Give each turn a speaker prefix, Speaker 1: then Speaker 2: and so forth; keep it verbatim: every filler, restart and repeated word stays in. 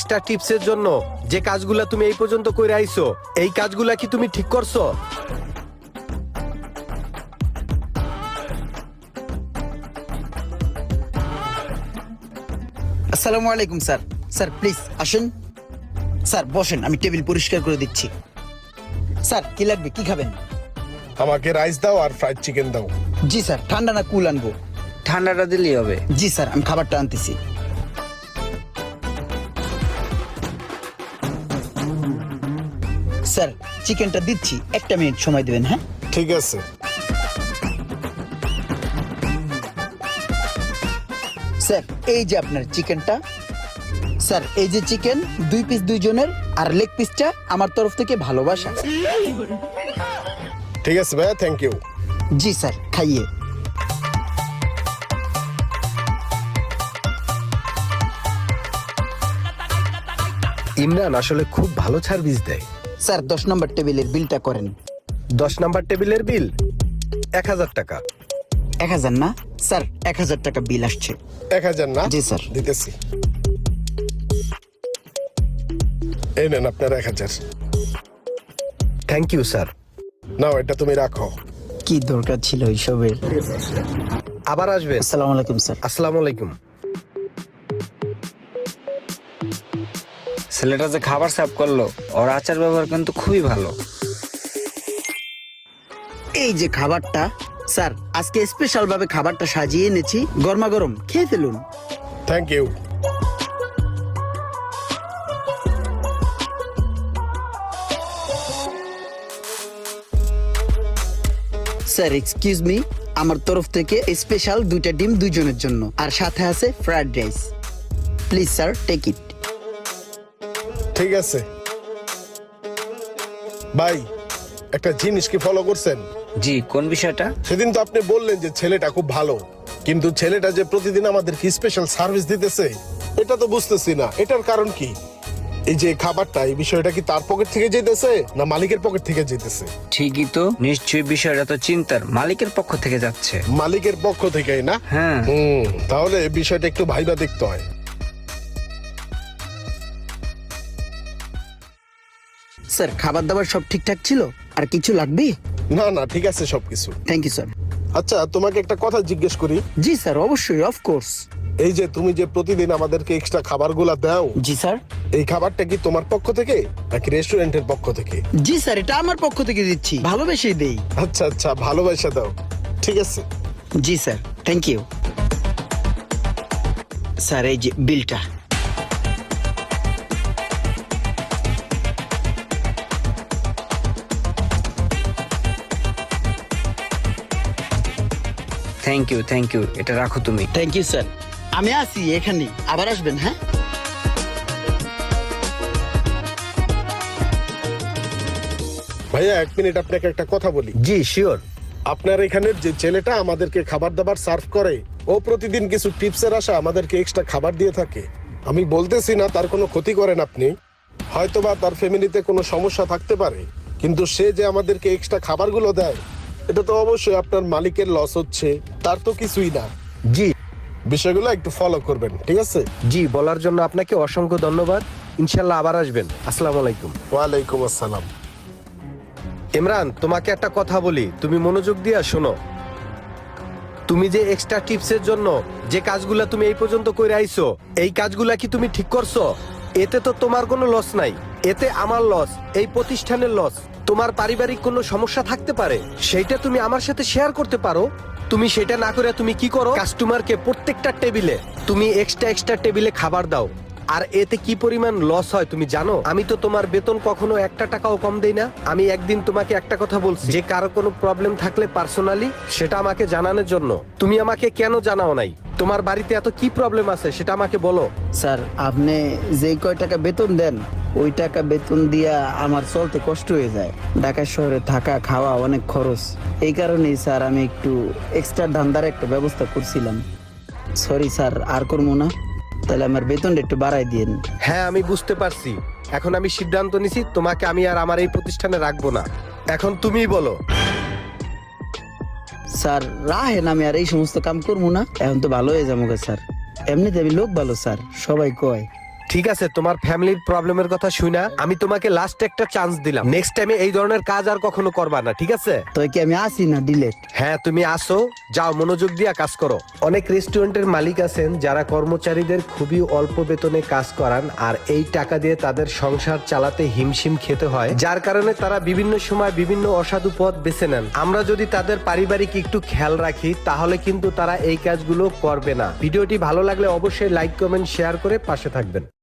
Speaker 1: Extra টিপসের জন্য যে কাজগুলা তুমি এই পর্যন্ত করে আইছো, এই কাজগুলা কি তুমি ঠিক করছো?
Speaker 2: আসসালামু আলাইকুম স্যার। স্যার প্লিজ আসুন। স্যার বসেন, আমি টেবিল পরিষ্কার করে দিচ্ছি। স্যার কি লাগবে, কি খাবেন?
Speaker 3: আমাকে রাইস দাও আর ফ্রাইড চিকেন দাও।
Speaker 2: জি স্যার। ঠান্ডা না কুল আনবো?
Speaker 4: ঠান্ডাটা দিলেই হবে।
Speaker 2: জি স্যার, আমি খাবারটা আনতেছি। স্যার চিকেনটা দিচ্ছি, একটা মিনিট সময় দেবেন। হ্যাঁ
Speaker 3: ঠিক আছে।
Speaker 2: স্যার এই যে আপনার চিকেনটা। স্যার এই যে চিকেন, দুই পিস দুইজনের, আর লেগ পিসটা আমার তরফ থেকে ভালোবাসা।
Speaker 3: ঠিক আছে ভাইয়া, থ্যাংক ইউ।
Speaker 2: জি স্যার, খাইয়ে।
Speaker 1: ইমরান আসলে খুব ভালো সার্ভিস দেয়।
Speaker 2: স্যার দশ নম্বর টেবিলের বিলটা করেন।
Speaker 1: দশ নাম্বার টেবিলের বিল এক হাজার টাকা।
Speaker 2: এক হাজার না স্যার, এক হাজার টাকা বিল আসছে।
Speaker 3: এক হাজার না?
Speaker 2: জি স্যার।
Speaker 3: দিতেছি। এই নেন আপনার এক হাজার।
Speaker 1: Thank you sir.
Speaker 3: নাও এটা তুমি রাখো।
Speaker 2: কি দরকার ছিল এইসবের?
Speaker 1: আবার আসবেন।
Speaker 2: আসসালামু আলাইকুম স্যার।
Speaker 1: আসসালামু আলাইকুম।
Speaker 4: ছেলেটা যে খাবার সার্ভ করলো, ওর আচার ব্যবহার কিন্তু খুবই ভালো।
Speaker 2: এই যে খাবারটা স্যার, আজকে স্পেশাল ভাবে খাবারটা সাজিয়ে এনেছি, গরমা গরম, খেয়ে ফেলুন।
Speaker 3: Thank you.
Speaker 2: Sir excuse me, আমার তরফ থেকে স্পেশাল দুইটা ডিম দুইজনের জন্য, আর সাথে আছে fried rice. Please sir take it.
Speaker 3: ঠিক আছে ভাই, একটা জিনিস কি ফলো করছেন?
Speaker 4: জি, কোন বিষয়টা?
Speaker 3: সেদিন তো আপনি বললেন যে ছেলেটা খুব ভালো, কিন্তু ছেলেটা যে প্রতিদিন আমাদের কি স্পেশাল সার্ভিস দিতেছে এটা তো বুঝতেছি না। এটার কারণ কি? এই যে খাবারটা, এই বিষয়টা কি তার পকেট থেকে যেতেছে না মালিকের পকেট থেকে যেতেছে?
Speaker 4: ঠিকই তো, নিশ্চয়ই বিষয়টা তো চিন্তার, মালিকের পক্ষ থেকে যাচ্ছে।
Speaker 3: মালিকের পক্ষ থেকেই না?
Speaker 4: হ্যাঁ।
Speaker 3: হুম, তাহলে এই বিষয়টা একটু ভাইবা দেখতে হয়।
Speaker 2: স্যার খাবার দাবার সব ঠিকঠাক ছিল? আর কিছু লাগবে?
Speaker 3: না না, ঠিক আছে সবকিছু।
Speaker 2: Thank you sir.
Speaker 3: আচ্ছা, তোমাকে একটা কথা জিজ্ঞেস করি।
Speaker 2: জি স্যার, অবশ্যই, অফকোর্স।
Speaker 3: এই যে তুমি যে প্রতিদিন আমাদেরকে এক্সট্রা খাবারগুলা দাও,
Speaker 2: জি স্যার।
Speaker 3: এই খাবারটা কি তোমার পক্ষ থেকে নাকি রেস্টুরেন্টের পক্ষ থেকে?
Speaker 2: জি স্যার, এটা আমার পক্ষ থেকে দিচ্ছি, ভালোবেসেই দেই।
Speaker 3: আচ্ছা আচ্ছা, ভালোবাসা দাও। ঠিক আছে।
Speaker 2: জি স্যার, থ্যাংক ইউ। স্যার এই যে বিলটা।
Speaker 4: থ্যাংক ইউ, থ্যাংক ইউ, এটা রাখো তুমি।
Speaker 2: Thank you sir. আমি আসি এখানে, আবার আসবেন। হ্যাঁ
Speaker 3: ভাইয়া এক মিনিট, আপনাকে একটা কথা বলি।
Speaker 1: জি শিওর।
Speaker 3: আপনার এখানের যে ছেলেটা আমাদেরকে খাবার দাবার সার্ভ করে, ও প্রতিদিন কিছু টিপসের আশা আমাদেরকে এক্সট্রা খাবার দিয়ে থাকে। আমি বলতেছি না তার কোনো ক্ষতি করেন আপনি, হয়তোবা তার ফ্যামিলিতে কোনো সমস্যা থাকতে পারে, কিন্তু সে যে আমাদেরকে এক্সট্রা খাবারগুলো দেয়, এটা তো অবশ্যই আপনার মালিকের লস হচ্ছে, তার তো কিছুই না।
Speaker 1: জি
Speaker 3: বিষয়গুলো একটু ফলো করবেন, ঠিক আছে?
Speaker 1: জি, বলার জন্য আপনাকে অসংখ্য ধন্যবাদ। ইনশাল্লাহ আবার আসবেন। আসসালামু আলাইকুম।
Speaker 3: ওয়ালাইকুম আসসালাম।
Speaker 1: ইমরান, তোমাকে একটা কথা বলি, তুমি মনোযোগ দিয়ে শোনো। তুমি যে এক্সট্রা টিপসের জন্য যে কাজগুলা তুমি এই পর্যন্ত করে আইছো, এই কাজগুলা কি তুমি ঠিক করছো? এতে তো তোমার কোনো লস নাই, এতে আমার লস, এই প্রতিষ্ঠানের লস। তোমার পারিবারিক কোনো সমস্যা থাকতে পারে, সেইটা তুমি আমার সাথে শেয়ার করতে পারো। তুমি সেটা না করে তুমি কি করো, কাস্টমারকে প্রত্যেকটা টেবিলে তুমি এক্সট্রা এক্সট্রা টেবিলে খাবার দাও। আর এতে কি পরিমাণ লস হয় তুমি জানো? আমি তো তোমার বেতন কখনো একটা টাকাও কম দেই না। আমি একদিন তোমাকে একটা কথা বলছি যে কারো কোনো প্রবলেম থাকলে পার্সোনালি সেটা আমাকে জানানোর জন্য। তুমি আমাকে কেন জানাও নাই? তোমার বাড়িতে এত কি প্রবলেম আছে সেটা আমাকে বলো।
Speaker 2: স্যার, আপনি যে কয় টাকা বেতন দেন, ওই টাকা বেতন দিয়া আমার চলতে কষ্ট হয়ে যায়। ঢাকা শহরে থাকা খাওয়া অনেক খরচ, এই কারণেই স্যার আমি একটু এক্সট্রা ধান্দার একটা ব্যবস্থা করছিলাম। সরি স্যার, আর করবো না। তাহলে আমার বেতনটা একটু বাড়াই দিন।
Speaker 1: হ্যাঁ আমি বুঝতে পারছি। এখন আমি সিদ্ধান্ত নিছি তোমাকে আমি আর আমার এই প্রতিষ্ঠানে রাখবো না। এখন তুমিই বলো।
Speaker 2: স্যার রাহেন, আমি আর এই সমস্ত কাম করবো না। এখন তো ভালো হয়ে যাবো স্যার। এমনিতে আমি লোক ভালো স্যার, সবাই কয়।
Speaker 1: ঠিক আছে, তোমার ফ্যামিলির প্রবলেমের কথা শুনা আমি তোমাকে লাস্ট একটা চান্স দিলাম। নেক্সট টাইমে এই ধরনের কাজ আর কখনো করবা না, ঠিক আছে?
Speaker 2: তো কি আমি আসি না ডিলেট?
Speaker 1: হ্যাঁ, তুমি আসো, যাও মনোযোগ দিয়ে কাজ করো। অনেক রেস্টুরেন্টের মালিক আছেন যারা কর্মচারীদের খুবই অল্প বেতনে কাজ করান, আর এই টাকা দিয়ে তাদের সংসার চালাতে হিমশিম খেতে হয়, যার কারণে তারা বিভিন্ন সময় বিভিন্ন অসাধু পথ বেছে নেন। আমরা যদি তাদের পারিবারিক একটু খেয়াল রাখি তাহলে কিন্তু তারা এই কাজগুলো করবে না। ভিডিওটি ভালো লাগলে অবশ্যই লাইক কমেন্ট শেয়ার করে পাশে থাকবেন।